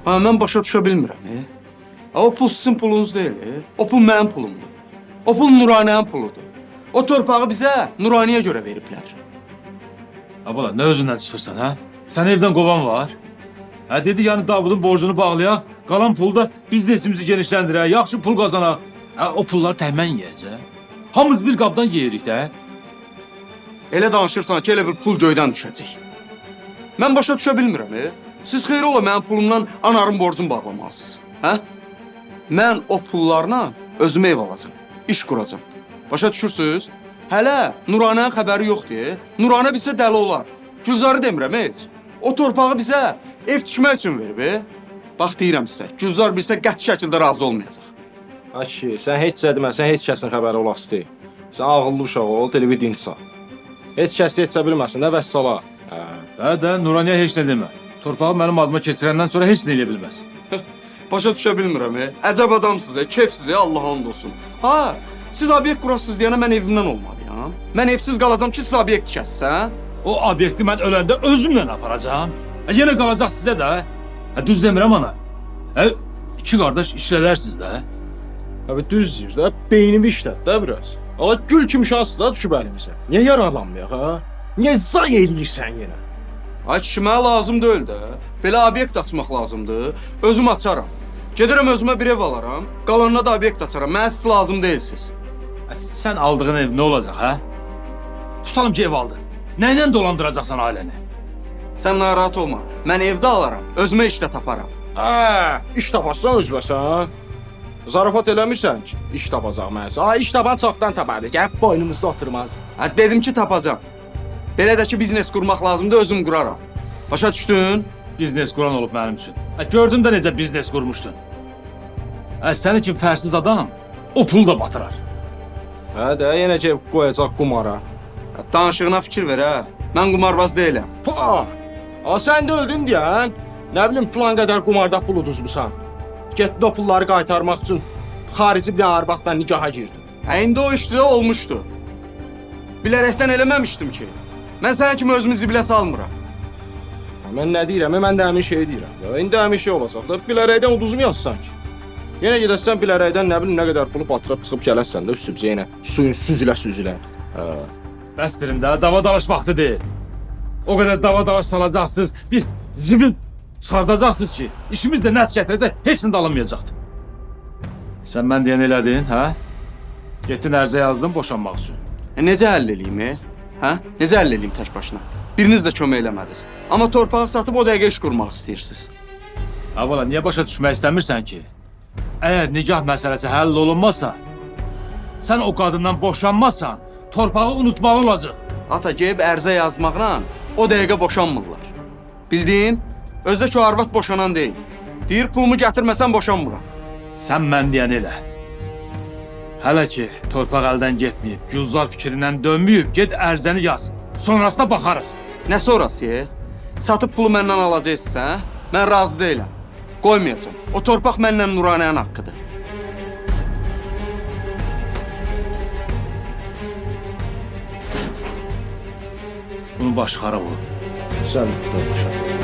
Ha, mən başa düşə bilmirəm. O pul sizin pulunuz deyil. O pul mənim pulumdur. O pul Nuranənin puludur. O torpağı bizə Nuraniyə görə veriblər. Abala, nə özündən çıxırsan, hə? Sən evdən qovan var. Hə, dedi yəni Davudun borcunu bağlayaq, qalan pulu da biznesimizi genişləndirək, yaxşı pul qazanaq. Hə, o pulları təhmən yiyəcək. Hamımız bir qabdan yeyirik də. Elə danışırsan ki, elə bir pul göydən düşəcək. Mən başa düşə bilmirəm. Siz xeyri ola mənim pulumdan anarın borcunu bağlamalısınız. Hə? Mən o pullarla özümə ev alacam, iş quracam. Başa düşürsünüz? Hələ Nuranənin xəbəri yoxdur. Nuranə bizə dəli olar. Gülzarı demirəm heç. O torpağı bizə ev tikmək üçün verib. Bax deyirəm sizə, Gülzar bilsə qəti şəkildə razı olmayacaq. Aki, sən heç deməsən, heç kəsin xəbəri olası deyil. Sən ağıllı uşaq ol, televidin insan. Heç kəs yetsə bilməsin də vəssala. Hə də, Nuraniyə heç nə demə. Torpağı mənim adıma keçirəndən sonra heç nə eləyə bilməz. Başa düşə bilmirəm. Əcəb adamsınız, keyfsiz, Allah and olsun. Ha, siz obyekt qurasınız deyənə mən evimdən olmalıyam. Mən evsiz qalacam ki, siz obyekt tikəsiniz, hə? O obyekti mən öləndə özümlə aparacağam. Yenə qalacaq sizə də. Düz demirəm ana. İki qardaş işlədərsiniz də. Abi düz deyir də, beynimi işlət də biraz. Ala gül kimi şahsız da düşüb əlimizə. Niyə yaralanmayaq, ha? Niyə zay eləyirsən yenə? Ay kişi, mənə lazım deyil də. Belə obyekt açmaq lazımdır. Özüm açaram. Gedirəm özümə bir ev alaram. Qalanına da obyekt açaram. Mənə siz lazım deyilsiniz. Sən aldığın ev nə olacaq, hə? Tutalım ki, ev aldın. Nəylə dolandıracaqsan ailəni? Sən narahat olma. Mən evdə alaram. Özümə işdə taparam. İş tapassan özbəsən. Zarafat eləmirsən ki, iş tapacaq mənsə. İş tapan çoxdan tapardı. Gəlib boynumuzda oturmaz. Dedim ki, tapacam. Belə də ki, biznes qurmaq lazımdır, özüm quraram. Başa düşdün? Biznes quran olub mənim üçün. Gördün də necə biznes qurmuşdun. Sənin kimi fərsiz adam o pulu da batırar. Hə də, yenə ki, qoyacaq qumara. Danışığına fikir ver, hə. Mən qumarbaz deyiləm. Sən də öldün deyən. Nə bilim, filan qədər qumarda pul uduzmusan. Getdi o pulları qaytarmaq üçün xarici bir arvadla nikaha girdin. İndi o işdə olmuşdu. Bilərəkdən eləməmişdim ki. Mən sənə kimi özümü zibilə salmıram. Mən nə deyirəm? Mən də həmin şeyi deyirəm. İndi həmin şey olacaq da, bilərəkdən uduzmayassan ki. Yenə gedəsən bilərəkdən nə bilim nə qədər pulu batırıb çıxıb gələsən də üstümüzə yenə suyun süzülə. Bəstirin də, dava dalaş vaxtı deyil. O qədər dava dalaş salacaqsınız, bir zibil çıxardacaqsınız ki, işimiz də nəs gətirəcək, hepsini də alınmayacaqdır. Sən mən deyən elədin, hə? Getdin ərzə yazdın boşanmaq üçün. Necə həll eləyim, hə? Necə həll eləyim tək başına? Biriniz də kömək eləmədiniz. Amma torpağı satıb o dəqiqə iş qurmaq istəyirsiniz. Abala, niyə başa düşmək istəmirsən ki? Əgər nikah məsələsi həll olunmazsa, sən o qadından boşanmazsan, torpağı unutmalı olacaq. Ata, gəlib ərzə yazmaqla o dəqiqə boşanmırlar. Bildin? Özdə ki, o arvad boşanan deyil. Deyir, pulumu gətirməsən boşanmıram. Sən mən deyən elə. Hələ ki, torpaq əldən getməyib, Gülzar fikrindən dönməyib, get ərzəni yaz. Sonrasına baxarıq. Nə sonrası? Satıb pulu məndən alacaqsınız, hə? Mən razı deyiləm. Qoymayacam. O torpaq mənlə Nuranənin haqqıdır. Bunun başı xarab olur. Sən dönmüşəm.